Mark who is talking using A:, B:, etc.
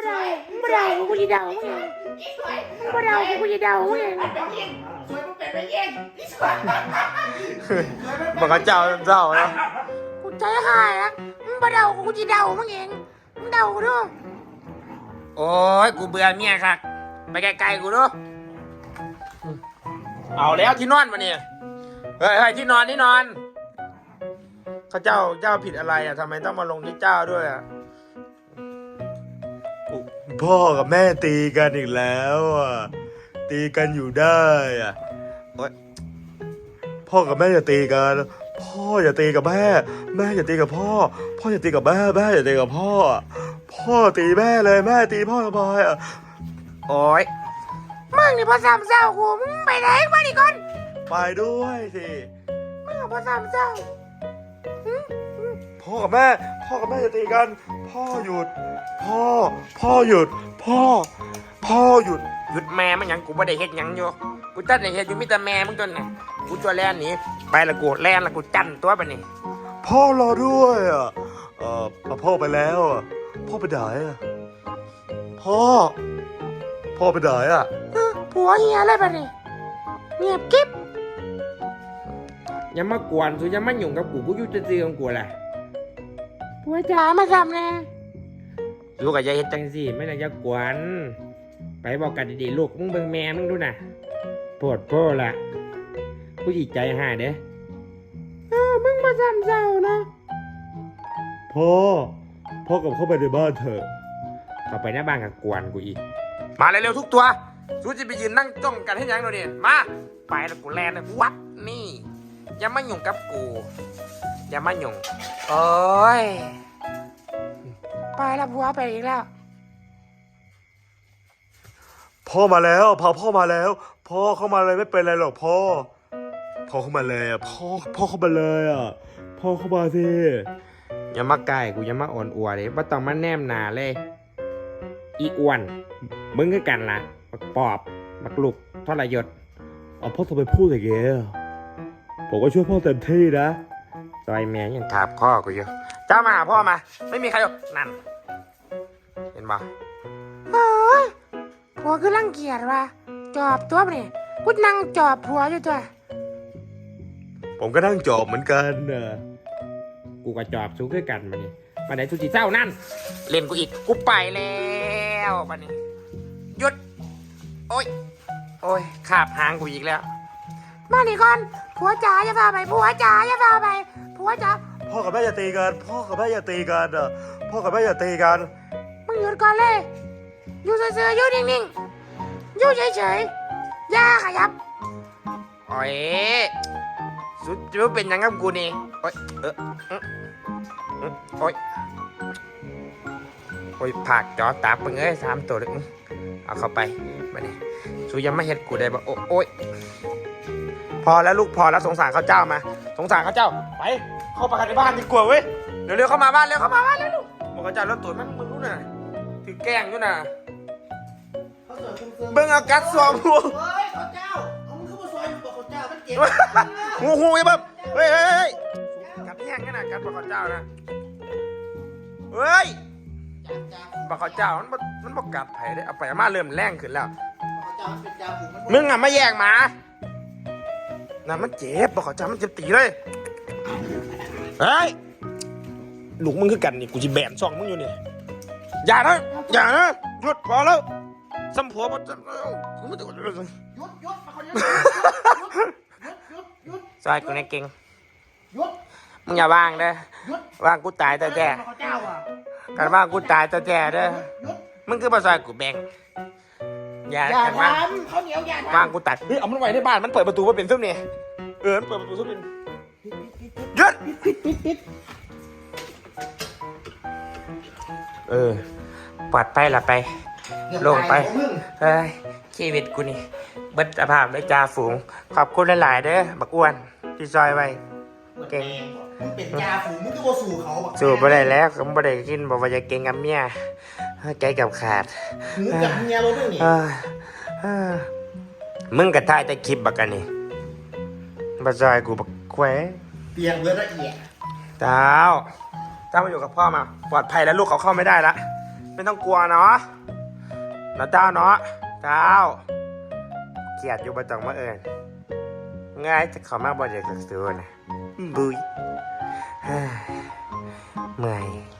A: ไม่ได้กูจะเดามึงไม่ได้กูจะเดามึง
B: สวยมันเป็นไปเองนี่สวย
C: บอกเขาเจ้านะ
A: กูใจหายนะมึงไม่เดากูจะเดามึงเองมึงเดากูด้วย
C: โอ้ยกูเบื่อเมียค่ะไปไกลๆกูดูเอาแล้วที่นอนมาเนี่ยเฮ้ยที่นอนเขาเจ้าผิดอะไรอ่ะทำไมต้องมาลงที่เจ้าด้วยอ่ะพ่อกับแม่ตีกันอีกแล้วอ่ะตีกันอยู่ได้อ่ะพ่อกับแม่อย่าตีกันพ่ออย่าตีกับแม่แม่อย่าตีกับพ่อพ่ออย่าตีกับแม่แม่อย่าตีกับพ่อพ่อตีแม่เลยแม่ตีพ่อทำไมอ่ะโอ๊ย
A: มึงนี่พอสามเศร้ากูมึงไปไหนมาดิก่อน
C: ไปด้วยสิ
A: มึงพอสามเศร้า
C: พ่อกับแม่อย่าตีกันพ่อหยุดพ่อหยุดพ่อหยุดแม่มันยังกูไม่ได้เฮ็ดยังอยู่กูตั้งแต่เฮ็ดอยู่มิแต่แม่มึงจนน่ะกูตัวแล่นหนีไปละกูแล่นละกูจันตัวไปนี่พ่อรอด้วยอ่ะพ่อไปแล้วอ่ะพ่อไปไหนอ่ะพ่อไปไหนอ่ะ
A: ผัวเฮียอะไรแบบนี้เงียบกิ๊บ
D: อย่ามากวนสุอย่ามาหยุ่งกับกูอยู่จะซื้อของกูแหละ
A: ผัวจ๋ามาทำนะ
D: ลูกกับยายเฮ็ดจังสิไม่น่าจะกวนไปบอกกันดีๆลูกมึงเบิ่งแม่มึงดูน่ะปวดโป้ละผู้หญิงใจหายเด้
A: มึงพอสามเศร้านะ
C: พ่อกลับเข้าไปในบ้านเถอะ
D: เข้าไปหน้าบ้านกับกวนกูอีก
C: มาเร็วๆทุกตัวสู้จะไปยืนนั่งจ้องกันให้ยังดูนี่มาไปแล้วกูแลนเลยวัดนี่อย่ามาหยุ่งกับกูอย่ามาหยุ่งโอ้ย
A: ไปแล้วผัวไปอีกแล้ว
C: พ่อมาแล้วพ่อมาแล้วพ่อเข้ามาเลยไม่เป็นไรหรอกพ่อเข้ามาเลยอ่ะพ่อเข้ามาเลยอ่ะพ่อเข้ามาสิ
D: อย่ามาใกล้กูอย่ามาอ่อนอัวเลยว่าต้องมาแนมหนาเลยอีอ้วนมึงคือกันล่ะมักปอบมักลุกทรยศ
C: เอาพ่อทำไมพูดอย่างเงี้ยผมก็ช่วยพ่อเต็มที่นะ
D: ซอยแม่ยัง
C: ถามพ่อกูอยู่เจ้ามาหาพ่อมาไม่มีใครหรอกนั่นเห็นปะ
A: เฮ้ยผัวคือรังเกียจว่ะจอบตัวไปนี่กูนั่งจอบผัวอยู่ตัว
C: ผมก็นั่งจอบเหมือนกันนะ
D: กูก็จอบสู้คือกันมานี่มาไหนสุจิเจ้านั่น
C: เล่นกูอีกกูไปแล้วปันนี้หยุดโอ้ยขาบหางกูอีกแล้ว
A: มาดิก่อนผัวจ๋าอย่าพาไปผัวจ๋าอย่าพาไปผัวจ๋า
C: พ่อกับแม่อย่าตีกันพ่อกับแม่อย่าตีกันอ่ะพ่อกับแม่อย่าตีกัน
A: มึงหยุดก่อนเลยอยู่เฉยๆอยู่นิ่งๆอยู่เฉยๆอย่าขยับ
C: โอ้ยสุดจะเป็นยังกับกูนี่โอ้ยโอ้ยผักจอตาปึงเอ้ย3 ตัวเลยเอาเข้าไปมาเนี่ยสุยังไม่เห็นกูได้บ่โอ้ยพอแล้วลูกพอแล้วสงสารเขาเจ้ามาสงสารเขาเจ้าไปเข้าไปในบ้านดีกว่าเว้ยเร็วๆเข้ามาบ้านเร็วเข้ามาบ้านเร็วลูกบอกเขาเจ้าแล้วตัวมันมึงรู้น่ะถือแกล้งอยู่น่ะเบิ่งอากัดสวมหัว
B: เฮ้ยข้าเจ้าเอามึงขึ้นมาซอยมึงบอกข้าเจ้ามันเจ็บ
C: หูไอ้แบบเฮ้ยกัดแห้งกันนะกัดบอกเขาเจ้านะเฮ้ยบอกเขาเจ้ามันบอกกัดไผ่ได้เอาไปเอามาเริ่มแรงขึ้นแล้ว
B: ข้าเจ้ามันเป็นยาผูกมัน
C: มึงอ่ะมาแย่งหมานั่นมันเจ็บบอกเขาเจ้ามันเจ็บตีเลยเฮ้ยลูกมึงคือกันนี่กูจะแบนซองมึงอยู่นี่อย่านะหยุดพอแล้วสัมผัสมันจะ
B: หยุดมาคนเดียวหยุด
C: ซอยกูในเก่ง
B: หยุด
C: มึงอย่าว่างเด้อ
B: หยุด
C: ว่างกูตายแต่แก่
B: ข้าเจ้าอ่ะ
C: กันว่างกูตายแต่แก่เด้อ
B: หยุด
C: มึงคือมาซอยกูแบ่งอย่า
B: อย่า
C: กัน
B: ท
C: ว่าง
B: ำเขาเหนียวอย่าทำ
C: ว่างกูตัดเฮ้ยเอามันไว้ในบ้านมันเปิดประตูมาเป็นซุ่มนี่มันเปิดประตูซุ่มเป็นหยุดปลอดภัยละไป ลงไป เฮ้ยชีวิตกูนี่เบิดสภาพเลยจ่าฝูงขอบคุณหลายๆเด้อบักอ้วนที่ซอยไว้เก่ง
B: มึงเป็นยาฝูงมึงก็บ่สู่เขาบัก
C: สู้บ่ได้แล้วก็บ่ได้กินบอกว่าจะเก่งกับเมียใจกับขาด
B: มึงกับเมียเราด้วยนี่
C: มึงกระทายแต่คลิปบักกันนี่บัซอยกูบักแคว
B: เตียงเบิร์ละเอียด
C: เจ้ามาอยู่กับพ่อมาปลอดภัยแล้วลูกเขาเข้าไม่ได้ละไม่ต้องกลัวเนาะนะเจ้าเนาะเจ้าเกลียดอยู่ประจังมาเอิญง่ายจะเข้ามาบ่อยากสักส่วนนะบุยเมื่อย